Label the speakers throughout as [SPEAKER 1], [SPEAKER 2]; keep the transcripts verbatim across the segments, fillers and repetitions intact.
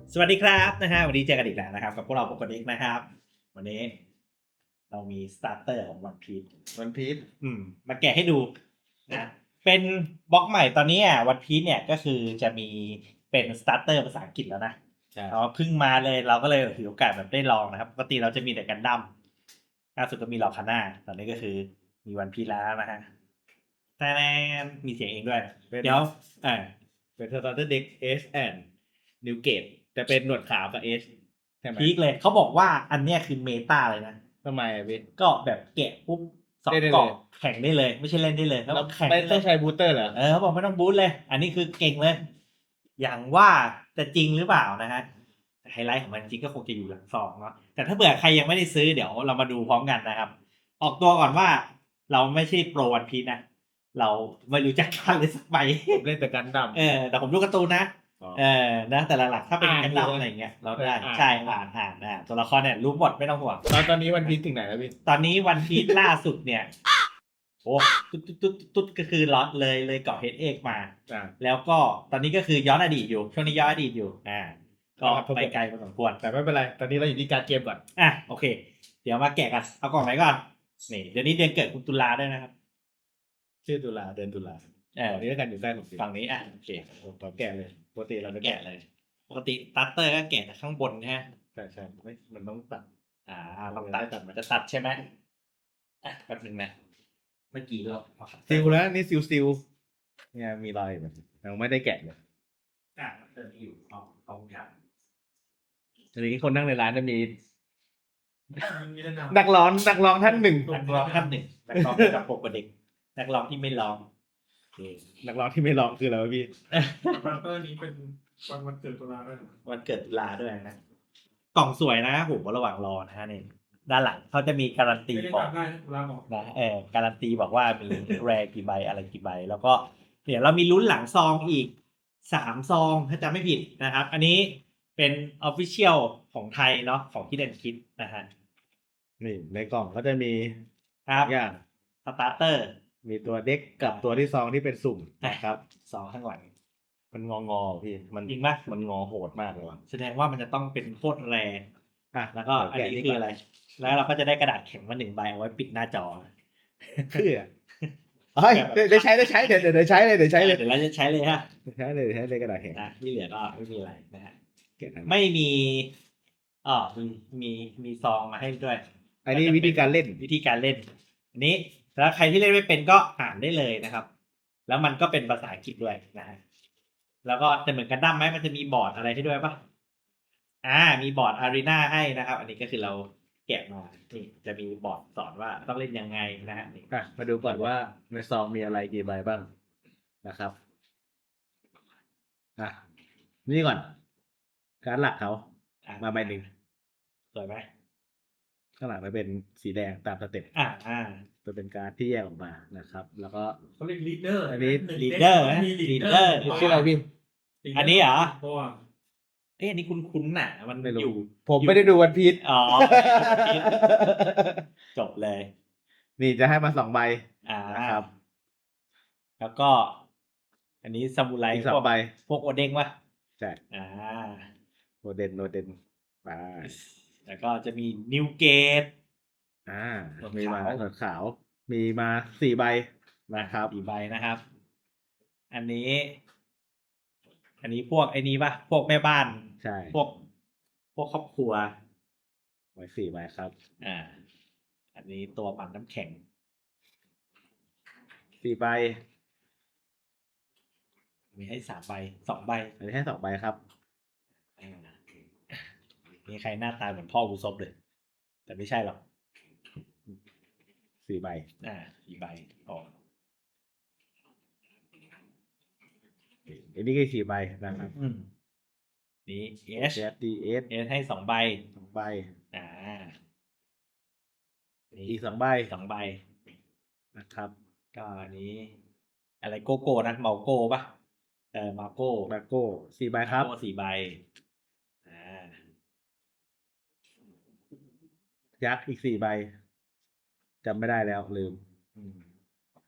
[SPEAKER 1] สวัสดีครับนะฮะวันนี้เจอกันอีกแล้วนะครับกับพวกเราปกตินะครับ วันนี้ เรามีสตาร์เตอร์ของวันพีช
[SPEAKER 2] วันพีช
[SPEAKER 1] อืมมาแกะให้ดูนะเป็นบล็อกใหม่ตอนนี้อ่ะวันพีชเนี่ยก็คือจะมีเป็นสตาร์เตอร์ภาษาอังกฤษแล้วนะเราเพิ่งมาเลยเราก็เลยถือโอกาสแบบได้ลองนะครับปกติเราจะมีแต่กันดั้มล่าสุดก็มีลอคาน่าตอนนี้ก็คือมีวันพีชแล้วนะฮะแต่มีเสียงเองด้วยเดี๋ยวอ่า
[SPEAKER 2] เป็นสตาร์เตอร์เด็กเอชแอนด์นิวเกตแต่เป็นหนวดขาวกับเอชใช่ไหม
[SPEAKER 1] พีคเลยเขาบอกว่าอันเนี้ยคือเมตาเลยนะ
[SPEAKER 2] ทำไมอ่ะพี่
[SPEAKER 1] ก็แบบแกะปุ๊บสองกล่องแข่งได้เลยไม่ใช่เล่นได้เลยแล้วแข่ง
[SPEAKER 2] ไม่ต้องใช้บูสเตอร์เหรอ
[SPEAKER 1] เออเขาบอกไม่ต้องบูทเลย อันนี้คือเก่งเลย อย่างว่าจะจริงหรือเปล่านะฮะไฮไลท์ของมันจริงก็คงจะอยู่หลังซองเนาะแต่ถ้าเผื่อใครยังไม่ได้ซื้อเดี๋ยวเรามาดูพร้อมกันนะครับ ออกตัวก่อนว่าเราไม่ใช่โปรวันพีชนะเราไม่รู้จักกันเลยสักใบ
[SPEAKER 2] ผมเล่นแต่กันดั้ม
[SPEAKER 1] เออแต่ผมดูการ์ตูนนะ เออนะแต่หลักๆถ้าเป็น
[SPEAKER 2] อ่าน
[SPEAKER 1] กันดั้ม
[SPEAKER 2] อยู่นะ
[SPEAKER 1] อะไรเงี้ยเราได้
[SPEAKER 2] เอออ่าน
[SPEAKER 1] ใช่อ่านอ่านอ่านตัวละครเนี่ยรู้หมดไม่ต้องห่วง
[SPEAKER 2] ตอนตอนนี้วันพีชถึงไหนแล้วพี่
[SPEAKER 1] ตอนนี้วันพีชล่าสุดเนี่ยโอ้ตุ๊ดตุ๊ดตุ๊ดตุ๊ดก็คือล็อตเลยเลยเกาะเฮดเอกมา
[SPEAKER 2] อ่า
[SPEAKER 1] แล้วก็ตอนนี้ก็คือย้อนอดีตอยู่ช่วงนี้ย้อนอดีตอยู่อ่าก็
[SPEAKER 2] ครับผม
[SPEAKER 1] ไปไกลพอสมควร
[SPEAKER 2] แต่ไม่เป็นไร ตอนนี้เราอยู่ที่การดเกมก่อน
[SPEAKER 1] อ่ะโอเค เดี๋ยวมาแกะกันเอากล่องไหนก่อนนี่เดี๋ยวนี้เดือนเกิดคุณตุลาด้วยนะครับ
[SPEAKER 2] ชื่อตุลาเดือนตุลา
[SPEAKER 1] เออ
[SPEAKER 2] ตอนนี้แล้วกันอยู่ใกล้ผมสิ
[SPEAKER 1] ฝั่งนี้อ่ะโอเค
[SPEAKER 2] ตอนแกะเลยปกติเราจะ
[SPEAKER 1] แกะ
[SPEAKER 2] แกะ
[SPEAKER 1] เลย ปกติตัตเตอร์ก็แกะจากข้างบนนะฮะ
[SPEAKER 2] ใช่ใช่ไม่มันต้องตัด
[SPEAKER 1] อ่าลองตัดมันจะตัดใช่ไหมอ่ะแป๊บนึงนะเมื่อกี้เราเอาคัตเตอ
[SPEAKER 2] ซิล
[SPEAKER 1] ร์
[SPEAKER 2] แล้วนี่ซิลซิลเนี่ยมีรอยแบบยังไม่ได้แกะเลย
[SPEAKER 1] อ่ะคัตเตอร์ที่อยู่เอาเอาอย่าง
[SPEAKER 2] ทีนี้คนนั่งในร้านจะมี
[SPEAKER 3] มีแนะนำ
[SPEAKER 2] นักร้องนักร้องท่านหนึ่ง
[SPEAKER 1] นักร้องท่านหนึ่งนักร้องกับปกเด็กนักร้องที่ไม่ร้องโอเค
[SPEAKER 2] นักร้องที่ไม่ร้องคืออะไรวะพี่
[SPEAKER 3] บัตเตอร์นี้เป็นวันวันเกิดตุลาด้วยนะ
[SPEAKER 1] วันเกิดตุลาด้วยนะ กล่องสวยนะผมระหว่างรอนะฮะนี่ด้านหลังเขาจะมีการันตี
[SPEAKER 3] ไม่ได้
[SPEAKER 1] บอก
[SPEAKER 3] จำได้นะตุลาบอก
[SPEAKER 1] นะเออการันตีบอกว่ามีแรกี่ใบอะไรกี่ใบ แล้วก็เดี๋ยวเรามีลุ้นหลังซองอีกสามซองถ้าจำไม่ผิดนะครับ อันนี้เป็นออฟฟิเชียลของไทยเนาะของที่เด่นคิดนะฮะ
[SPEAKER 2] นี่ในกล่องก็จะมี
[SPEAKER 1] ครับ
[SPEAKER 2] อย่าง
[SPEAKER 1] สตาร์เตอร์
[SPEAKER 2] มีตัวเด็กกับตัวที่ซองที่เป็นสุ่ม
[SPEAKER 1] นะครับซองข้างหลัง
[SPEAKER 2] มันงองอพี่มัน
[SPEAKER 1] จริงปะ
[SPEAKER 2] มันงอโหดมากเลยว่ะ
[SPEAKER 1] แสดงว่ามันจะต้องเป็นโคตรแร
[SPEAKER 2] อ่ะ
[SPEAKER 1] แล้วก็อันนี้คืออะไร แล้วเราก็จะได้กระดาษแข็งมาหนึ่งใบเอาไว้ปิดหน้าจอ
[SPEAKER 2] เพื่อเฮ้ยเดี๋ยวเดี๋ยวใช้เดี๋ยวใช้เดี๋ยวเดี๋ยวใช้เลยเดี๋ยวใช้เลย
[SPEAKER 1] เดี๋ยวเราจะใช้เลยฮะ
[SPEAKER 2] เดี๋ยวใช้เลยเดี๋ยวใช้เลยกระดาษแข็ง
[SPEAKER 1] นะที่เหลือก็ไม่มีอะไรนะฮะ
[SPEAKER 2] แกะอัน
[SPEAKER 1] ไม่มีอ๋อมีมีมีซองมาให้ด้วย
[SPEAKER 2] อันนี้วิธีการเล่น
[SPEAKER 1] วิธีการเล่น อันนี้แล้วใครที่เล่นไม่เป็นก็อ่านได้เลยนะครับ แล้วมันก็เป็นภาษาอังกฤษด้วยนะฮะแล้วก็จะเหมือนกันดั้มไหมมันจะมีบอร์ดอะไรให้ด้วยปะอ่า มีบอร์ดอารีนาให้นะครับ อันนี้ก็คือเราแกะมานี่จะมีบอร์ดสอนว่าต้องเล่นยังไงนะฮะนี่
[SPEAKER 2] อ่ะมาดูก่อนว่าในซองมีอะไรกี่ใบบ้างนะครับอ่ะนี่ก่อน การดหลักเขา
[SPEAKER 1] อ่ะ
[SPEAKER 2] มาใบหนึ่ง
[SPEAKER 1] สวยไหม
[SPEAKER 2] ข้างหลังมันเป็นสีแดงตามสเต็ป
[SPEAKER 1] อ่าอ่า
[SPEAKER 2] จะเป็นการดที่แยกออกมานะครับ แล้วก็
[SPEAKER 3] เขาเรียกลีดเดอร์
[SPEAKER 2] อันนี้
[SPEAKER 1] leader นะ
[SPEAKER 3] มี
[SPEAKER 1] leader
[SPEAKER 2] ชื่ออะไรพี่
[SPEAKER 1] อันนี้เหรอ
[SPEAKER 3] เพราะว่า
[SPEAKER 1] เอ้ยอันนี้คุ้นคุ้นๆน่ะ มัน
[SPEAKER 2] ไม่
[SPEAKER 1] อ
[SPEAKER 2] รู้
[SPEAKER 1] ยู่
[SPEAKER 2] ผมไม่ได้ดูวันพีช
[SPEAKER 1] อ๋อ จบเลย
[SPEAKER 2] นี่จะให้มาสองใบ
[SPEAKER 1] อ่า
[SPEAKER 2] นะครับ
[SPEAKER 1] แล้วก็ อันนี้ซามูไร
[SPEAKER 2] อีกสองใบ
[SPEAKER 1] พวกโอเด้งวะ
[SPEAKER 2] ใช่
[SPEAKER 1] อ่า
[SPEAKER 2] โนเดนโนเดนไป
[SPEAKER 1] แล้วก็จะมีนิวเกต
[SPEAKER 2] อ่า
[SPEAKER 1] หนวด
[SPEAKER 2] มีมา
[SPEAKER 1] ขาว
[SPEAKER 2] หนวดขาว มีมาสี่ใบนะครับ
[SPEAKER 1] สี่ใบนะครับ อันนี้ อันนี้พวกไอ้นี้ปะพวกแม่บ้าน
[SPEAKER 2] ใช่
[SPEAKER 1] พวก พวกครอบครัว
[SPEAKER 2] ไว้สี่ใบครับ
[SPEAKER 1] อ่า อันนี้ตัวปั่นน้ำแข็ง
[SPEAKER 2] สี่ใบ
[SPEAKER 1] มีให้สามใบสองใบ
[SPEAKER 2] อันนี้ให้สองใบครับ
[SPEAKER 1] อ่ามีใครหน้าตาเหมือนพ่อกูซบเลย แต่ไม่ใช่หรอก
[SPEAKER 2] สี่ใบ
[SPEAKER 1] อ่าสี่ใบอ๋อ
[SPEAKER 2] อันนี้ก็สี่ใบนะครับ
[SPEAKER 1] อืมนี่เอช
[SPEAKER 2] เอสดีเอส
[SPEAKER 1] เอชให้สองใบ
[SPEAKER 2] สองใบ
[SPEAKER 1] อ่านี่
[SPEAKER 2] อีกสองใบ
[SPEAKER 1] สองใบ
[SPEAKER 2] นะครับ
[SPEAKER 1] ก็อันนี้ อะไรโกโก้นะเมาโก้ปะเออมาโก้
[SPEAKER 2] แบโก้สี่ใบครับ
[SPEAKER 1] มาโก้สี่ใบ อ่า
[SPEAKER 2] ยักษ์อีกสี่ใบจำไม่ได้แล้วลืม
[SPEAKER 1] อืม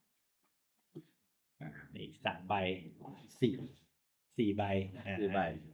[SPEAKER 1] นี่สามใบสี่สี่ใบอ่า
[SPEAKER 2] สี่ใบ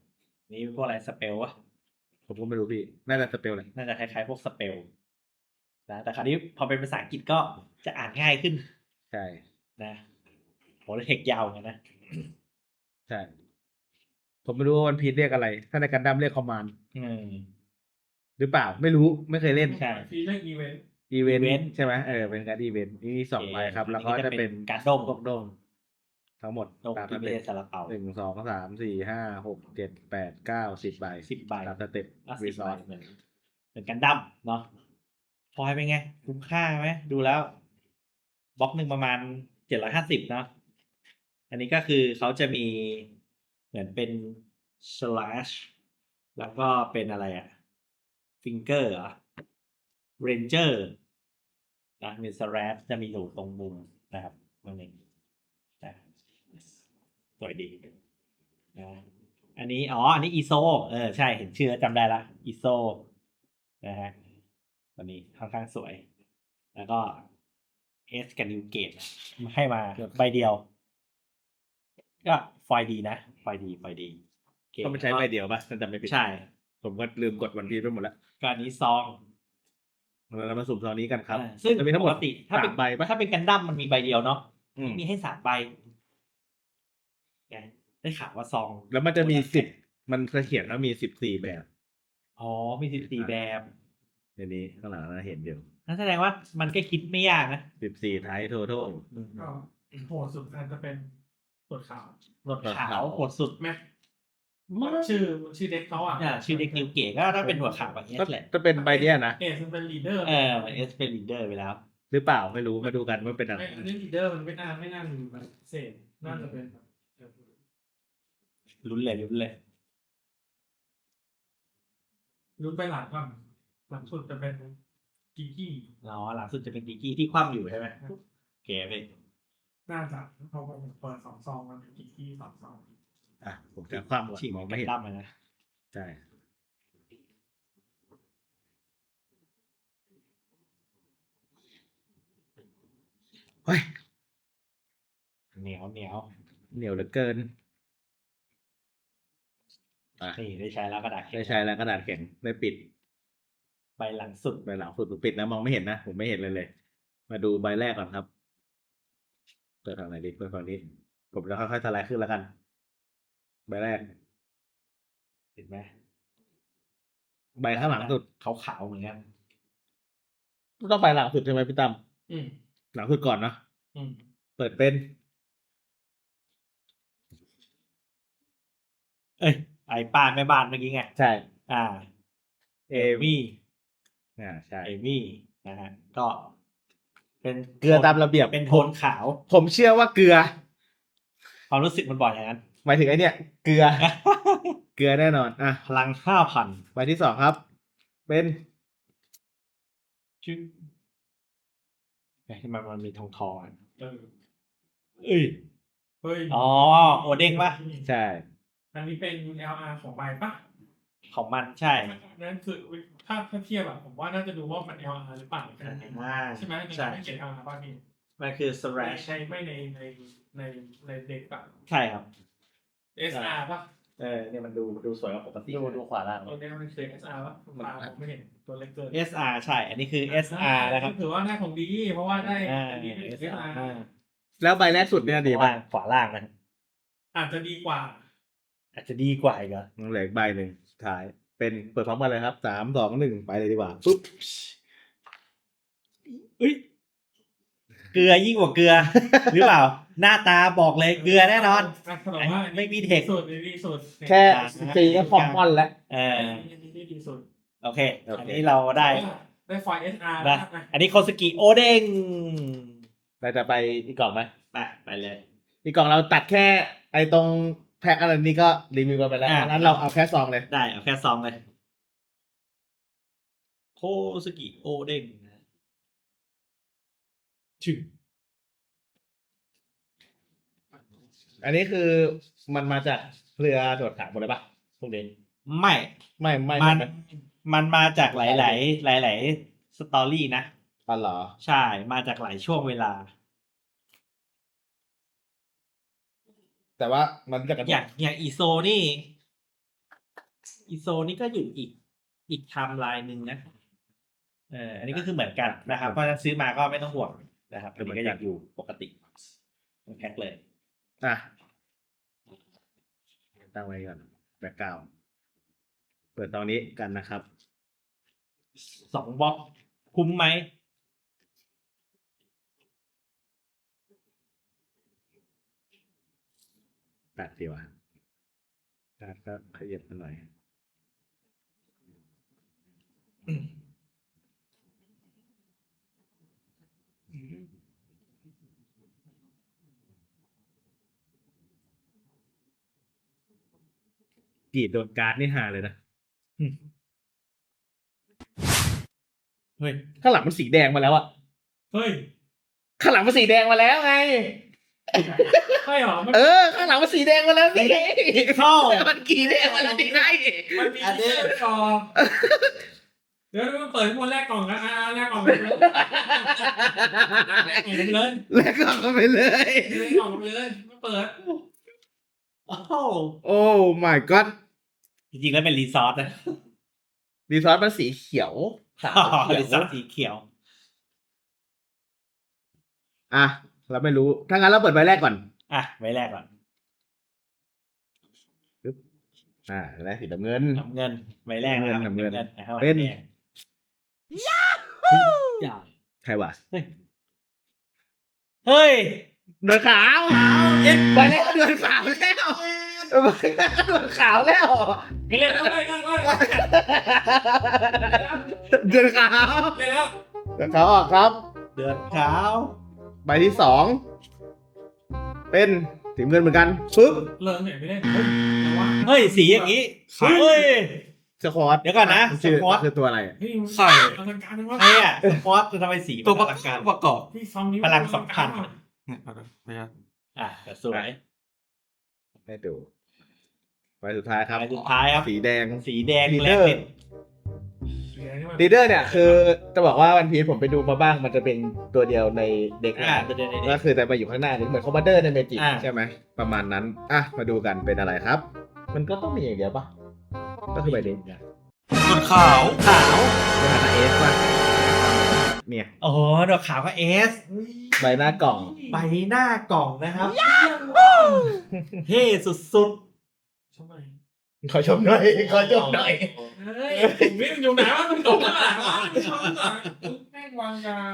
[SPEAKER 1] นี่พวกอะไรสเปลวะ
[SPEAKER 2] ผมก็ไม่รู้พี่ น่าจะสเปลเลย
[SPEAKER 1] น่าจะคล้ายๆพวกสเปลนะแต่คราวนี้พอเป็นภาษาอังกฤษก็จะอ่านง่ายขึ้น
[SPEAKER 2] ใช่
[SPEAKER 1] นะโหแล้วเทคยาวเหมือนกันนะ
[SPEAKER 2] ใช่ ผมไม่รู้ว่าวันพีซเรียกอะไร ถ้าในกันดั้มเรียกคอมมานด์
[SPEAKER 1] อืม
[SPEAKER 2] หรือเปล่า ไม่รู้ ไม่เคยเล่น
[SPEAKER 1] ใช่
[SPEAKER 3] ฟีเรื่องอีเวนต์
[SPEAKER 2] อีเวน
[SPEAKER 1] Event
[SPEAKER 2] ต์ใช่ไหมเออ เป็นการอีเวนต์นี่สองใบครับ แล้วก็จะเป็น
[SPEAKER 1] การด้ม
[SPEAKER 2] พวกโดมทั้งหมด
[SPEAKER 1] ด้ม
[SPEAKER 2] ตามส
[SPEAKER 1] ที่ไม่
[SPEAKER 2] เต็
[SPEAKER 1] ใช่
[SPEAKER 2] ป
[SPEAKER 1] ซาลาเปา
[SPEAKER 2] หนึ่งสองสามสี่ห้าหกเจ็ดแปดเก้าสิบใบ
[SPEAKER 1] สิบใบ
[SPEAKER 2] ตามสเต็ป
[SPEAKER 1] อ่ะ
[SPEAKER 2] รี
[SPEAKER 1] สิบ
[SPEAKER 2] ซ
[SPEAKER 1] ใบ
[SPEAKER 2] อส
[SPEAKER 1] เหมือนเหมือนกันดั้มเนาะฟอยล์เป็นไง คุ้มค่าไหมดูแล้วบล็อกหนึ่งประมาณเจ็ดร้อยห้าสิบเนาะอันนี้ก็คือเขาจะมีเหมือนเป็น slash แล้วก็เป็นอะไรอะ finger เหรอ ranger นะมี slash จะมีอยู่ตรงมุมนะครับตรงนี้นะสวยดีนะอันนี้อ๋ออันนี้ อี เอส โอ เออใช่เห็นชื่อแล้วจำได้ละ อี เอส โอ นะฮะตัวนี้ค่อนข้างสวย แล้วก็ S กับ New Gate ให้มาใบเดียว ก็ไฟล์ดีนะไฟล์ดีไฟล์ดีเก
[SPEAKER 2] ก็มันใช้ใบเดียวป่ะถ้าจำไม่ผิด
[SPEAKER 1] ใช่
[SPEAKER 2] ผมก็ลืมกดวันพีซไปหมดแล้ว
[SPEAKER 1] ก็อันนี้ซอง
[SPEAKER 2] เรามาสุ่มซองนี้กันครับ
[SPEAKER 1] อ่าซึ่ง
[SPEAKER 2] จะมีทั้งหม
[SPEAKER 1] ป
[SPEAKER 2] ด
[SPEAKER 1] กติถ้าเป็น
[SPEAKER 2] สามใบป่ะ
[SPEAKER 1] ถ้าเป็นกันดั้มมันมีใบเดียวเนาะ
[SPEAKER 2] อืม
[SPEAKER 1] มีให้สามใบไงได้ข่าวว่าซอง
[SPEAKER 2] แล้วมันจะมีสิบมันจะเขียนว่ามีสิบสี่แบบ
[SPEAKER 1] อ๋อมีสิบสี่แบบ
[SPEAKER 2] ในนี้ข้างหลังเราเห็นอยู่
[SPEAKER 1] นั่นแสดงว่ามันก็คิดไม่ยากนะ
[SPEAKER 2] สิบสี่ไทยโททอล
[SPEAKER 3] ก็โหดสุดอาจจะเป็นตรวจข่าว
[SPEAKER 1] รถขาวโหดสุด
[SPEAKER 3] แม็กชื่อชื่อเด็กเขาอ่ะ
[SPEAKER 1] อ่าชื่อเด็กนิวเกตก็ถ้าเป็นหัวขาวแบบนี้
[SPEAKER 2] ก็
[SPEAKER 1] แหละ
[SPEAKER 2] จะเป็นใบเนี้ยนะ
[SPEAKER 3] เอสมันเป็นลีดเดอร์
[SPEAKER 1] เออเอสเป็นลีดเดอร์ไปแล้ว
[SPEAKER 2] หรือเปล่าไม่รู้มาดูกันว่าเป็นอะไร
[SPEAKER 3] ไม่อันนี้ลีดเดอร์มันไม่น่าไม่น่ามีแบบเศษน่าจะเป็นแบบ
[SPEAKER 1] ลุ้นเลยลุ้นเลย
[SPEAKER 3] รุ่นไปหลังก่อนหลังสุดจะเป็นกิกกี้
[SPEAKER 1] อ๋อหลังสุดจะเป็นกิกกี้ที่คว่ำอยู่ใช่ไหมโอเคไป
[SPEAKER 3] น่าจะเขาเปิดสองซองมันเป็นกิกกี้สองซอง
[SPEAKER 2] อ่ะผมจะคว่ำก่อน
[SPEAKER 1] ฉีก
[SPEAKER 2] มองไม่เห็น
[SPEAKER 1] ดั้มเลยนะ
[SPEAKER 2] ใช่เฮ้ย
[SPEAKER 1] เหนียวเหนียว
[SPEAKER 2] เหนียวเหลือเกินอ่ะ
[SPEAKER 1] นี่ได้ใช้แล้วกระดาษแข็ง
[SPEAKER 2] ได้ใช้แล้วกระดาษแข็งได้ปิด
[SPEAKER 1] ใบหลังสุด
[SPEAKER 2] ใบหลังสุดผมปิดนะมองไม่เห็นนะผมไม่เห็นเลยเลย มาดูใบแรกก่อนครับเปิดฝั่งไหนดีเปิดฝั่งนี้ ผมจะค่อยๆสไลด์ขึ้นแล้วกัน ใบแรก
[SPEAKER 1] เห็นไหม
[SPEAKER 2] ใบข้างหลังสุด
[SPEAKER 1] ขาวขาวๆเหมือนกัน
[SPEAKER 2] ต้องใบหลังสุดใช่ไหมพี่ตั้ม
[SPEAKER 3] อืม
[SPEAKER 2] หลังสุดก่อนเนาะ
[SPEAKER 3] อืม
[SPEAKER 2] เปิดเป็น
[SPEAKER 1] เอ้ยไอ้ป้านแม่บ้านเมื่อกี้ไง
[SPEAKER 2] ใช่
[SPEAKER 1] อ่า
[SPEAKER 2] เอ
[SPEAKER 1] เอมี่
[SPEAKER 2] อ่าใช่
[SPEAKER 1] เอมี่นะฮะก็ เป็น
[SPEAKER 2] เกลือตามระเบียบ
[SPEAKER 1] เป็นโทนขาว
[SPEAKER 2] ผมเชื่อว่าเกลือ
[SPEAKER 1] ความรู้สึกมันบอกอย่างนั้น
[SPEAKER 2] หมายถึงไอเนี่ย เกลือ เกลือแน่นอนอ่ะ
[SPEAKER 1] พลังห้าพัน
[SPEAKER 2] ใบที่สองครับ เป็น
[SPEAKER 1] ชื่อไอ้ที่มันมันมีทองทองๆอ่ะ
[SPEAKER 3] เออ
[SPEAKER 1] เอ้ย
[SPEAKER 3] เฮ้ย
[SPEAKER 1] อ๋อโอเด้งปะ
[SPEAKER 2] ใช่
[SPEAKER 3] อันนี้เป็น แอล อาร์ ของใบปะ
[SPEAKER 1] ของมันใช่
[SPEAKER 3] นั่นคือถ้าถ้าเทียบอะผมว่าน่าจะดูว่ามัน แอล อาร์ หรือเปล่าแค่นั้นเอง
[SPEAKER 1] อ่า
[SPEAKER 3] ใช่ไหมใน
[SPEAKER 1] ใช่
[SPEAKER 3] การไม่เขียน แอล อาร์ ป่ะพี่
[SPEAKER 1] มันคือ
[SPEAKER 3] ไม่
[SPEAKER 1] slash
[SPEAKER 3] ใช่ไม่ในในในในเด็กอะ
[SPEAKER 1] ใช่ครับ
[SPEAKER 3] เอส อาร์ ป่ะ
[SPEAKER 1] เออเนี่ยมันดูดูสวยกว่าปกติ
[SPEAKER 2] ดูดูขวาล่าง
[SPEAKER 3] ตัวนี้มันคือ เอส อาร์ ป่ะตาผมไม่เห็นตัวเล็กเกิน
[SPEAKER 1] เอสอาร์ใช่ อันนี้คือ เอส อาร์ นะครับ
[SPEAKER 3] ถือว่าได้ของดี เพราะว่าได้
[SPEAKER 1] อ่า
[SPEAKER 3] อันนี้เป็น เอส อาร์
[SPEAKER 1] อ่า
[SPEAKER 2] แล้วใบแรกสุดเนี่ยดี
[SPEAKER 1] ขวา
[SPEAKER 2] ป่ะ
[SPEAKER 1] ล่างขวาล่างนะ
[SPEAKER 3] อาจจะดีกว่า
[SPEAKER 1] อาจจะดีกว่าอีกเหรอ
[SPEAKER 2] ยังเหลืออีกใบหนึ่งสุดท้าย เป็นเปิดพร้อมกันเลยครับสามสองหนึ่งไปเลยดีกว่าปุ๊บ
[SPEAKER 1] เอ้ยเกลือยิ่งกว่าเกลือ หรือเปล่า หน้าตาบอกเลยเกลือแน่นอน
[SPEAKER 3] ะแสดงว่าอันนี้
[SPEAKER 1] ไม่มีเทค
[SPEAKER 3] ดีสุดดีสุด
[SPEAKER 2] แค่สีก็คอมมอนแล้ว
[SPEAKER 1] เอ
[SPEAKER 3] เอ
[SPEAKER 1] อ
[SPEAKER 3] ออันนี้ดีสุด
[SPEAKER 1] โอเค
[SPEAKER 2] โอเค
[SPEAKER 1] อันนี้เราได้
[SPEAKER 3] ได้ไฟล์ เอส อาร์
[SPEAKER 1] นะ
[SPEAKER 3] นะ
[SPEAKER 1] อันนี้โคสกิโอเด้ง
[SPEAKER 2] เราจะไปอีกกล่องไหม
[SPEAKER 1] ไปไปเลย
[SPEAKER 2] อีกกล่องเราตัดแค่ไอ้ตรงแพ็คอะไรนี้ก็รีวิวกันไปแล้ว
[SPEAKER 1] อ่ะ
[SPEAKER 2] อันนั้นเราเอาแค่ซองเลย
[SPEAKER 1] ได้เอาแค่ซองเลยโคสกิโอเด้งนะชื่อ
[SPEAKER 2] อันนี้คือมันมาจากเรือตรวจขาวหมดเลยปะพวกนี้
[SPEAKER 1] ไม่
[SPEAKER 2] ไม่ไม่
[SPEAKER 1] มัน
[SPEAKER 2] ไม่
[SPEAKER 1] มันมาจากหลาย ๆ หลาย ๆ สตอรี่นะ
[SPEAKER 2] อ๋อเหรอ
[SPEAKER 1] ใช่ มาจากหลายช่วงเวลา
[SPEAKER 2] แต่ว่ามันจะกระ
[SPEAKER 1] อย่างอย่างอีโซนี่อีโซนี่ก็อยู่อีกอีกไทม์ไลน์หนึ่งนะเอออันนี้ก็คือเหมือนกันนะครับเพราะฉะนั้นซื้อมาก็ไม่ต้องห่วงนะครับอันนี้ก็ยังอยู่ปกติแพ็คเลย
[SPEAKER 2] อ่ะตั้งไว้ก่อนแบ็กกราวด์เปิดตอนนี้กันนะครับ
[SPEAKER 1] สองบล็อกคุ้มไหม
[SPEAKER 2] แปดดีว่ะการก็ขยับมาหน่อยกรีดโดนการ์ดนี่หาเลยนะ
[SPEAKER 1] เฮ้ย
[SPEAKER 2] ข้างหลังมันสีแดงมาแล้วอะ
[SPEAKER 3] เฮ้ย
[SPEAKER 2] ข้างหลังมันสีแดงมาแล้วไง
[SPEAKER 3] ใช่เหรอมัน
[SPEAKER 2] เออ ข้างหลังมันสีแดงมาแล้วนี่
[SPEAKER 1] เข้า
[SPEAKER 2] มันกรีดแดงมาแล้วนี่ไง
[SPEAKER 3] มันมี
[SPEAKER 1] อันนี้
[SPEAKER 3] ที่กล่องเดี๋ยวมันเปิดคนแรกกล่องนะอ่าแรกกล่องไปเลยแรกกล่องไปเลย
[SPEAKER 2] แล้วก็เข้าไปเลย
[SPEAKER 3] แรกกล่องไปเลยไม่เปิด
[SPEAKER 1] โอ้โห
[SPEAKER 2] โอ้ my god
[SPEAKER 1] จริงๆแล้วเป็นรีซอสนะ
[SPEAKER 2] รีซอสมันสีเขียวขาว
[SPEAKER 1] รี
[SPEAKER 2] เขี
[SPEAKER 1] ซอ
[SPEAKER 2] ยว
[SPEAKER 1] สสีเขียว
[SPEAKER 2] อ่ะ เราไม่รู้ ถ้างั้นเราเปิดใบแรกก่อน
[SPEAKER 1] อ่ะไว้แรกก่อน
[SPEAKER 2] อ่าแรกสีน้ำเงิน
[SPEAKER 1] น้ำเงินไว้แรกนะครับ
[SPEAKER 2] น้ำเงิน
[SPEAKER 1] นะครับ
[SPEAKER 2] เป็น
[SPEAKER 1] ยาอย่า
[SPEAKER 2] ใครวะ
[SPEAKER 1] เฮ้ยเฮ้ย
[SPEAKER 2] เดือนขาวเอ็นใบแรกเดือนขาวแล้วใบแรกเดือนขาวแล้ว
[SPEAKER 3] เล่นแล้วเล่นแล้วเล่นแล้ว
[SPEAKER 2] เดือนขาว
[SPEAKER 3] เล่นแล้ว
[SPEAKER 2] เดือนขาวออกครับ
[SPEAKER 1] เดือนขาว
[SPEAKER 2] ใบที่สองเป็นสีเงินเหมือนกันปึ๊บ
[SPEAKER 3] เลิกเนี่ยไม่ได้เฮ้ยแต่ว่า
[SPEAKER 1] เฮ้ยสีอย่างนี้เฮ้ย
[SPEAKER 2] สควอต
[SPEAKER 1] เดี๋ยวก่อนนะ
[SPEAKER 2] มัชื่อ
[SPEAKER 1] สควอต
[SPEAKER 2] คือตัวอะไรอะ
[SPEAKER 3] เฮ้ย
[SPEAKER 1] ใส่
[SPEAKER 3] อลังการจังวะ
[SPEAKER 1] ไอ้อะสควอตจะทำไมสี
[SPEAKER 4] ตัว
[SPEAKER 1] มัน
[SPEAKER 4] ป
[SPEAKER 1] อ
[SPEAKER 4] ระ
[SPEAKER 1] ลังการ
[SPEAKER 4] ประกอบ
[SPEAKER 3] ที่ซองนี้
[SPEAKER 1] พลังสำคัญ
[SPEAKER 4] เนี่ยเอาเลยพยายาม
[SPEAKER 1] อ่ะแต่สวย
[SPEAKER 2] ให้ดูใบสุดท้ายครับ
[SPEAKER 1] ใบสุดท้ายครับ
[SPEAKER 2] สีแดง
[SPEAKER 1] สีแดง
[SPEAKER 2] ลีด
[SPEAKER 1] แร
[SPEAKER 2] เดอก ร์
[SPEAKER 1] เด็ด
[SPEAKER 2] ลีดเดอร์เนี่ยคือจะบอกว่าวันพีชผมไปดูมาบ้างมันจะเป็นตัวเดียวในเด็ก
[SPEAKER 1] อ่ะ
[SPEAKER 2] นะ
[SPEAKER 1] ตัวเดียวใน
[SPEAKER 2] ก็
[SPEAKER 1] เด็ก
[SPEAKER 2] คือแต่มาอยู่ข้างหน้านี่เหมือนคอมมานเดอร์ในเมจิก
[SPEAKER 1] อ่า
[SPEAKER 2] ใช่ไหมประมาณนั้น อ่ะ มาดูกันเป็นอะไรครับ มันก็ต้องมีอย่างเดียวปะก็คือใบเด็ก
[SPEAKER 4] ส่วนขาว
[SPEAKER 1] ขาว
[SPEAKER 2] ในฐานะเอสป่ะเนี่ย
[SPEAKER 1] โอ้โหดอกขาวก็เอส
[SPEAKER 2] ใบหน้ากล่อง
[SPEAKER 1] ใบหน้ากล่องนะครับเท่สุด
[SPEAKER 3] ทำไม
[SPEAKER 2] ขอชมหน่อยขอชมหน่อย
[SPEAKER 3] เฮ้ยผมนี่มันอยู่ไหนวะมันตกมาหลังวะมันชอบหลังแม่งวางยา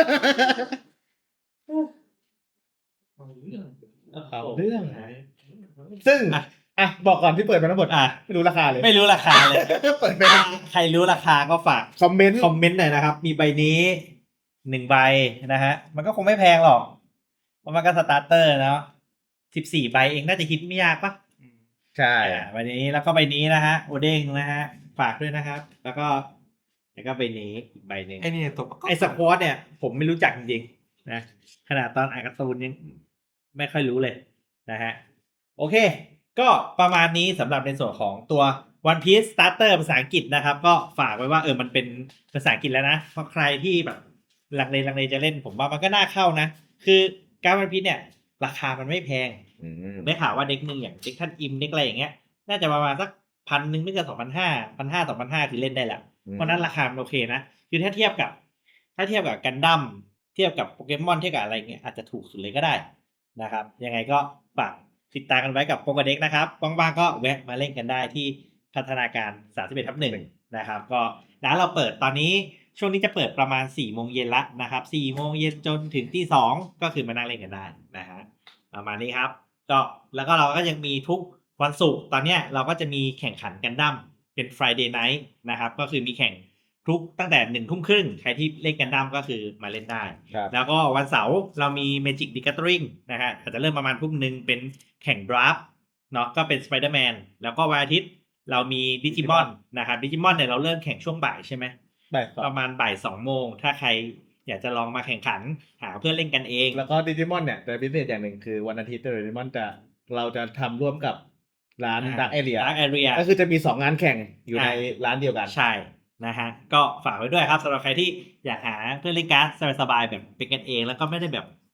[SPEAKER 3] เอาเรื่อง
[SPEAKER 1] ๆ
[SPEAKER 2] เอาเรื่องซึ่ง อ่ะ บอกก่อนที่เปิดมาทั้งหมด
[SPEAKER 1] อ่ะ
[SPEAKER 2] ไม่รู้ราคาเลย
[SPEAKER 1] ไม่รู้ราคาเลย
[SPEAKER 2] เปิดไป
[SPEAKER 1] ใครรู้ราคาก็ฝาก
[SPEAKER 2] คอมเมนต์
[SPEAKER 1] คอมเมนต์หน่อยนะครับ มีใบนี้หนึ่งใบนะฮะ มันก็คงไม่แพงหรอก เพราะมันก็สตาร์เตอร์เนาะสิบสี่ใบเองน่าจะคิดไม่ยากปะ
[SPEAKER 2] ใช่
[SPEAKER 1] อ่าใบนี้แล้วก็ใบนี้นะฮะ โอเด้งนะฮะ ฝากด้วยนะครับ แล้วก็แล้วก็ใบนี้อีกใบหนึ่ง
[SPEAKER 4] ไอ้นี่ตัวประกอบ
[SPEAKER 1] ไอ้สควอตเนี่ย ผมไม่รู้จักจริงๆนะขนาดตอนอ่านการ์ตูนยังไม่ค่อยรู้เลยนะฮะ โอเค ก็ประมาณนี้สำหรับในส่วนของตัว One Piece Starter ภาษาอังกฤษนะครับ ก็ฝากไว้ว่าเออมันเป็นภาษาอังกฤษแล้วนะ เพราะใครที่แบบลังเลลังเลจะเล่น ผมว่ามันก็น่าเข้านะ คือการ One Piece เนี่ย ราคามันไม่แพง
[SPEAKER 2] อืม
[SPEAKER 1] ได้ข่าวว่าเด็กหนึ่งอย่างเด็กท่านอิมเด็กอะไรอย่างเงี้ย น่าจะประมาณสักพันหนึ่งไม่เกินสองพันห้าพันห้าสองพันห้าคือเล่นได้แหละ เพราะนั้นราคามันโอเคนะ คือถ้าเทียบกับ ถ้าเทียบกับกันดั้มเทียบกับโปเกมอนเทียบกับอะไรเงี้ยอาจจะถูกสุดเลยก็ได้นะครับ ยังไงก็ฝากติดตามกันไว้กับโปเกเด็กนะครับว่างๆก็แวะมาเล่นกันได้ที่พัฒนาการสามสิบเอ็ดทับหนึ่งนะครับ ก็ร้านเราเปิดตอนนี้ช่วงนี้จะเปิดประมาณสี่โมงเย็นละนะครับสี่โมงเย็นจนถึงที่สองก็คือมานั่งเล่นกันได้นะฮะประมาณนี้ครับ ก็แล้วก็เราก็ยังมีทุกวันศุกร์ตอนเนี้ยเราก็จะมีแข่งขันกันดั้มเป็น Friday Night นะครับก็คือมีแข่งทุกตั้งแต่หนึ่งทุ่มครึ่งใครที่เล่นกันดั้มก็คือมาเล่นได้
[SPEAKER 2] ครับ
[SPEAKER 1] แล้วก็วันเสาร์เรามี Magic The Gathering นะฮะอาจจะเริ่มประมาณทุ่มหนึ่งเป็นแข่งดราฟเนาะก็เป็น Spider-Man แล้วก็วันอาทิตย์เรามี Digimon นะครับ Digimon เนี่ยเราเริ่มแข่งช่วงบ่ายใช่ไหม
[SPEAKER 2] ได้ค
[SPEAKER 1] ป
[SPEAKER 2] รับ
[SPEAKER 1] ระมาณบ่ายสองโมงถ้าใครอยากจะลองมาแข่งขันหาเพื่อนเล่นกันเอง
[SPEAKER 2] แล้วก็ดิจิมอนเนี่ยแต่พิเศษอย่างหนึ่งคือวันอาทิตย์ดิจิมอนจะเราจะทำร่วมกับร้านดักเอเรีย
[SPEAKER 1] Dark Area
[SPEAKER 2] ก็คือจะมีสองงานแข่งอยู่ใน
[SPEAKER 1] อ่า
[SPEAKER 2] ร้านเดียวกัน
[SPEAKER 1] ใช่นะฮะก็ฝากไว้ด้วยครับสำหรับใครที่อยากหาเพื่อนเล่นการ์ดสบายๆแบบเป็นกันเอง แล้วก็ไม่ได้แบบ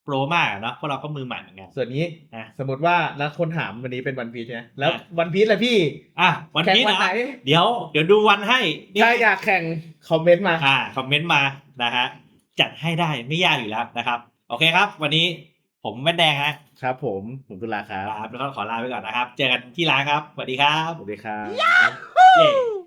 [SPEAKER 1] โปรมากเนาะพวกเราก็มือใหม่เหมือนกัน
[SPEAKER 2] ส่วนนี้
[SPEAKER 1] นะ
[SPEAKER 2] สมมติว่าแล้วคนถามวันนี้เป็นวันพีชใช่ไหมแล้ว
[SPEAKER 1] อ่ะ
[SPEAKER 2] วันพีชล่ะพี่
[SPEAKER 1] อ่ะวัน
[SPEAKER 2] แข่ง
[SPEAKER 1] นี้
[SPEAKER 2] วัน
[SPEAKER 1] นะ
[SPEAKER 2] ไหน
[SPEAKER 1] เดี๋ยวเดี๋ยวดูวันให้นี่
[SPEAKER 2] ถ้าอยากแข่งคอมเมนต์มา
[SPEAKER 1] อ่าคอมเมนต์มานะฮะจัดให้ได้ไม่ยากอยู่แล้วนะครับ โอเคครับ วันนี้ผมแม่แดงนะครับ
[SPEAKER 2] ผมผมตุลาครับ
[SPEAKER 1] ครับแล้วก็ขอลาไปก่อนนะครับ เจอกันที่ร้านครับสวัสดีครับ
[SPEAKER 2] สวัสดีครับ
[SPEAKER 1] เย้